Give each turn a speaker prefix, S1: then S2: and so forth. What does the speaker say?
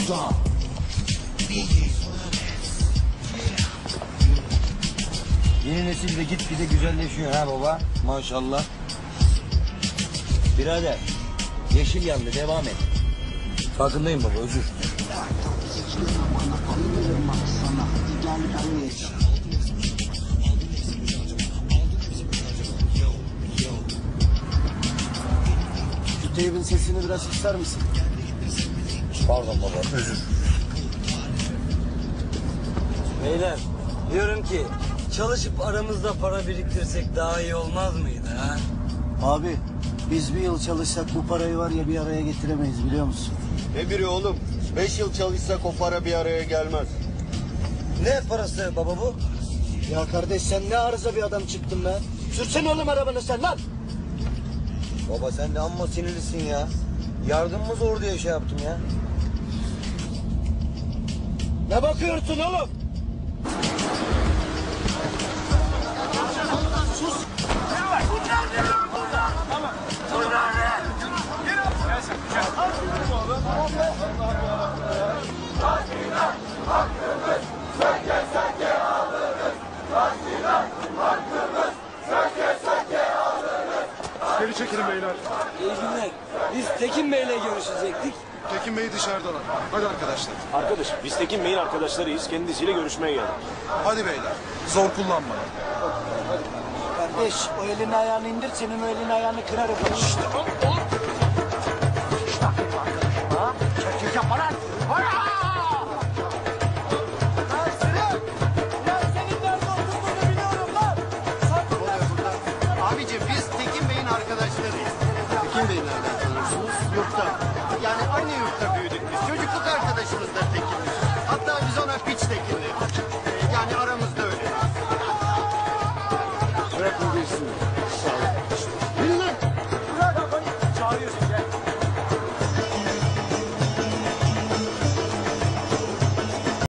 S1: Yeni nesil de gitgide güzelleşiyor ha baba. Maşallah.
S2: Birader, yeşil yandı, devam et.
S1: Farkındayım baba, özür.
S3: Şu teybin sesini biraz kısar mısın?
S1: Pardon baba, özür. Beyler, diyorum ki çalışıp aramızda para biriktirsek daha iyi olmaz mıydı ha?
S3: Abi biz bir yıl çalışsak bu parayı var ya bir araya getiremeyiz biliyor musun?
S4: Ne biri oğlum? 5 yıl çalışsak o para bir araya gelmez.
S1: Ne parası baba bu?
S3: Ya kardeş sen ne arıza bir adam çıktın be. Sürsene oğlum arabanı sen lan.
S1: Baba sen de amma sinirlisin ya. Yardımımız zor diye şey yaptım ya.
S3: Ne bakıyorsun oğlum?
S5: Geri çekilin beyler.
S1: İyi günler. Biz Tekin Bey'le görüşecektik.
S5: Tekin Bey dışarıdalar. Hadi arkadaşlar.
S6: Arkadaş, biz Tekin Bey'in arkadaşlarıyız. Kendisiyle görüşmeye geldik.
S5: Hadi beyler. Zor kullanma.
S3: Kardeş o elini ayağını indir senin o elini ayağını kırarım.
S4: Abicim biz Tekin Bey'in arkadaşlarıyız. Tekin Bey'i nereden tanıyorsunuz? Yurtta. Yani aynı yurtta büyüdük biz. Çocukluk arkadaşımızdır Tekin. Hatta biz ona piç Tekin